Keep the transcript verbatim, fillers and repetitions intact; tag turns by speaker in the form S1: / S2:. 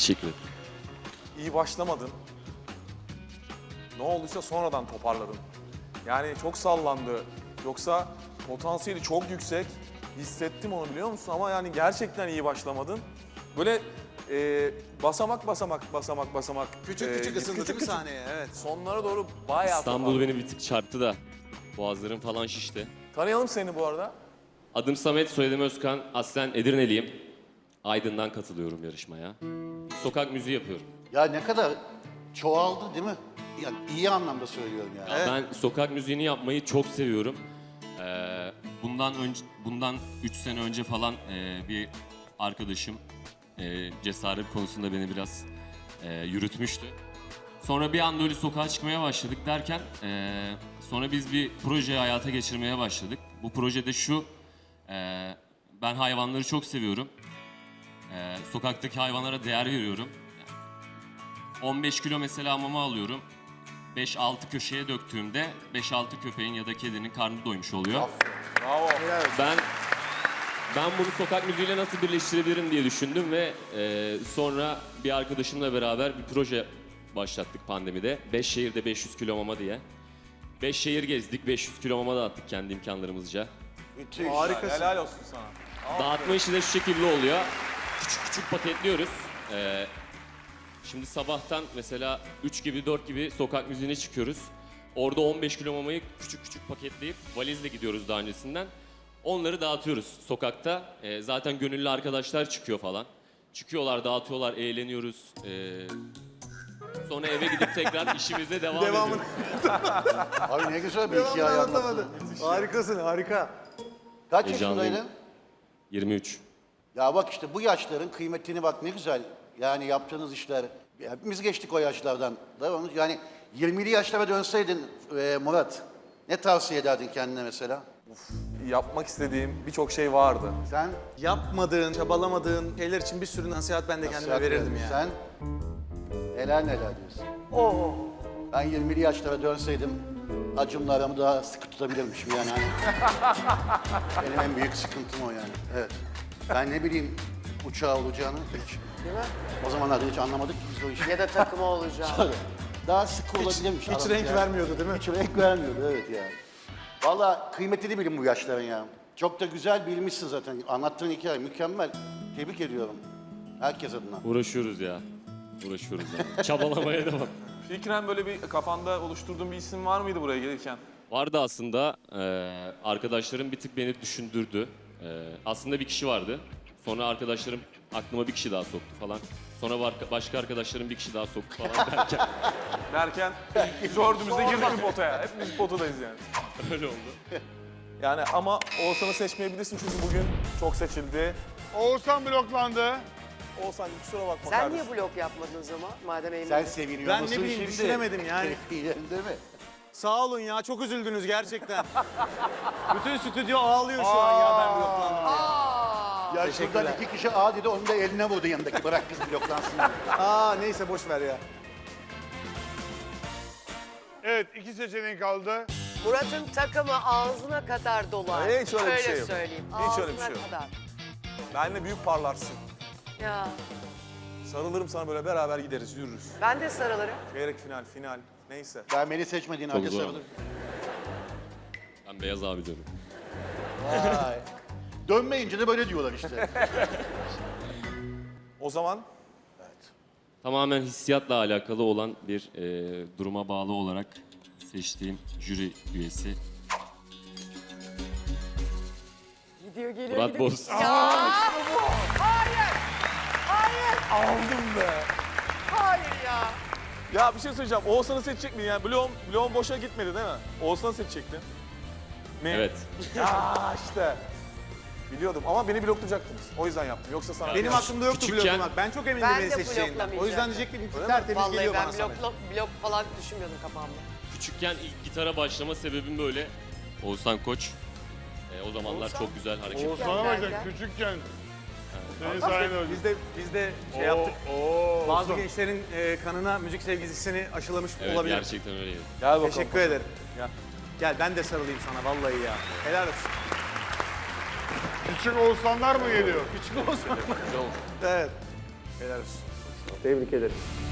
S1: Teşekkür ederim.
S2: İyi başlamadın. Ne olduysa sonradan toparladın. Yani çok sallandı. Yoksa potansiyeli çok yüksek. Hissettim onu, biliyor musun? Ama yani gerçekten iyi başlamadın. Böyle e, basamak basamak basamak basamak.
S3: Küçük
S2: e,
S3: küçük ısındı
S2: küçük
S3: değil mi
S2: küçük.
S3: sahneye? Evet.
S2: Sonlara doğru bayağı
S1: İstanbul
S2: toparladın.
S1: beni bir tık çarptı da. Boğazlarım falan şişti.
S2: Tanıyalım seni bu arada.
S1: Adım Samet, soyadım Özkan. Aslen Edirneliyim. Aydın'dan katılıyorum yarışmaya. Sokak müziği yapıyorum.
S4: Ya ne kadar çoğaldı değil mi? Yani iyi anlamda söylüyorum yani.
S3: Evet.
S1: Ben sokak müziğini yapmayı çok seviyorum. Ee, bundan önce, bundan üç sene önce falan e, bir arkadaşım e, cesaret konusunda beni biraz e, yürütmüştü. Sonra bir anda öyle sokağa çıkmaya başladık derken e, sonra biz bir proje hayata geçirmeye başladık. Bu projede şu, e, ben hayvanları çok seviyorum. E, sokaktaki hayvanlara değer veriyorum. on beş kilo mesela mama alıyorum. beş altı köşeye döktüğümde beş altı köpeğin ya da kedinin karnı doymuş oluyor.
S2: Bravo.
S1: Ben ben bunu sokak müziğiyle nasıl birleştirebilirim diye düşündüm ve e, sonra bir arkadaşımla beraber bir proje başlattık pandemide. beş şehirde beş yüz kilo mama diye. beş şehir gezdik, beş yüz kilo mama dağıttık kendi imkanlarımızca.
S4: Müthiş.
S2: Harikasın. Helal olsun sana.
S1: Dağıtma işi de şu şekilde oluyor. Küçük küçük paketliyoruz. Ee, şimdi sabahtan mesela üç gibi dört gibi sokak müziğine çıkıyoruz. Orada on beş kilo mamayı küçük küçük paketleyip valizle gidiyoruz daha öncesinden. Onları dağıtıyoruz sokakta. Ee, zaten gönüllü arkadaşlar çıkıyor falan. Çıkıyorlar, dağıtıyorlar, eğleniyoruz. Ee, sonra eve gidip tekrar işimize devam
S3: Devamını
S1: ediyoruz.
S4: Abi ne güzel bir
S3: devamını
S4: hikaye anlattın.
S3: anlatamadı. Harikasın, harika.
S4: Kaç
S1: Heyecanlıyım.
S4: yaşındaydın?
S1: yirmi üç.
S4: Ya bak işte bu yaşların kıymetini bak ne güzel. Yani yaptığınız işler. Hepimiz geçtik o yaşlardan. Değil mi? Yani yirmili yaşlara dönseydin e, Murat, ne tavsiye ederdin kendine mesela?
S2: Yapmak istediğim birçok şey vardı.
S4: Sen?
S3: Yapmadığın, çabalamadığın şeyler için bir sürü nasihat ben de kendime
S4: nasihat
S3: verirdim
S4: verdin.
S3: yani.
S4: Sen? Neler neler diyorsun?
S3: Oo.
S4: Ben yirmili yaşlara dönseydim acımla aramı daha sıkı tutabilirmişim yani. Hani benim en büyük sıkıntım o yani. Evet. Ben ne bileyim uçağı olacağını hiç.
S5: Değil mi?
S4: O zamanlarda hiç anlamadık ki biz o işi.
S5: Ya da takımı olacağım.
S4: Tabii. Daha sıkı olabilirmiş.
S3: Hiç
S4: aramız
S3: renk
S4: yani.
S3: vermiyordu değil mi?
S4: Hiç renk vermiyordu evet yani. Vallahi kıymetini bilin bu yaşların ya. Çok da güzel bilmişsin zaten. Anlattığın hikaye mükemmel. Tebrik ediyorum. Herkes adına.
S1: Uğraşıyoruz ya. Uğraşıyoruz yani. Çabalamaya devam.
S2: Fikren böyle bir kafanda oluşturduğun bir isim var mıydı buraya gelirken?
S1: Vardı aslında. Eee arkadaşlarım bir tık beni düşündürdü. Eee, aslında bir kişi vardı. Sonra arkadaşlarım aklıma bir kişi daha soktu falan. Sonra var- başka arkadaşlarım bir kişi daha soktu falan derken
S2: Derken dördümüz de girdik bir potaya. Hepimiz potadayız yani.
S1: öyle oldu.
S2: Yani ama Oğuzhan'ı seçmeyebilirsin çünkü bugün çok seçildi.
S6: Oğuzhan bloklandı.
S2: Oğuzhan kusura bakma
S5: Sen
S2: kardeşim.
S5: niye blok yapmadın o zaman? Madem eğlenceli.
S4: Sen seviniyor
S3: Ben ne
S4: musun
S3: bileyim,
S4: şimdi?
S3: düşünemedim yani.
S4: Keyifli mi?
S3: Sağ olun ya, çok üzüldünüz gerçekten. Bütün stüdyo ağlıyor şu an ya ben bloklandım.
S5: Aa,
S4: Ya
S3: Teşekkürler.
S4: şuradan iki kişi A dedi, onu da eline vurdu yanındaki. Bırak kız bloklansın.
S3: Aa neyse boş ver ya.
S6: Evet, iki seçeneğin kaldı.
S5: Murat'ın takımı ağzına kadar dolar.
S2: Hiç öyle bir şey yok.
S5: söyleyeyim.
S2: Hiç öyle bir
S5: Ağzına
S2: şey yok.
S5: kadar.
S2: Benle büyük parlarsın.
S5: Ya
S2: Sarılırım sana, böyle beraber gideriz, yürürüz.
S5: ben de sarılırım.
S2: Çeyrek final, final neyse.
S4: Ben beni seçmediğin halde
S1: zor.
S4: sarılır.
S1: Ben Beyaz abi diyorum.
S4: Vay. Dönmeyince de böyle diyorlar işte.
S2: O zaman
S1: Tamamen hissiyatla alakalı olan bir eee, duruma bağlı olarak seçtiğim jüri üyesi
S5: Gidiyor geliyor
S1: Murat
S5: gidiyor.
S1: Boz.
S5: Hayır. Hayır.
S2: aldım be.
S5: Hayır ya.
S2: Ya bir şey söyleyeceğim. Oğuzhan'ı seçecek miydin? Yani bloğum, bloğum boşa gitmedi değil mi? Oğuzhan'ı seçecektin. Mi?
S1: Evet.
S2: Ya işte. Biliyordum ama beni bloklayacaktınız. O yüzden yaptım. Yoksa sana...
S3: Benim aklımda yoktu
S1: Küçükken-
S3: bloklamak. Ben çok emindim
S5: Ben
S3: beni
S5: de
S3: seçeceğinden. O yüzden
S5: bloklamayacaktım.
S3: diyecektim ki
S2: Öyle mi?
S3: tertemiz
S5: Vallahi
S3: geliyor
S5: ben
S3: bana Samet.
S5: blok, blok falan düşünmüyordum kafamda.
S1: Küçükken ilk gitara başlama sebebim böyle. Oğuzhan Koç. Eee, o zamanlar
S5: Oğuzhan?
S1: çok güzel hareket.
S6: Oğuzhan'a
S5: Gel,
S6: bak
S5: gel.
S6: sen küçükken. Senin sayende öldü.
S3: Biz de, biz de şey yaptık.
S6: Oo,
S3: Bazı
S6: Oğuzhan.
S3: gençlerin e, kanına müzik sevgisini aşılamış
S1: Evet
S3: olabilir.
S1: gerçekten öyleydi.
S2: Gel bakalım.
S3: Teşekkür ederim.
S2: Gel.
S3: Gel ben de sarılayım sana vallahi ya. Helal olsun.
S6: Küçük Oğuzhanlar mı geliyor?
S3: Küçük olsun.
S2: Güzel oldu.
S3: Evet. Helal olsun.
S2: Tebrik ederim.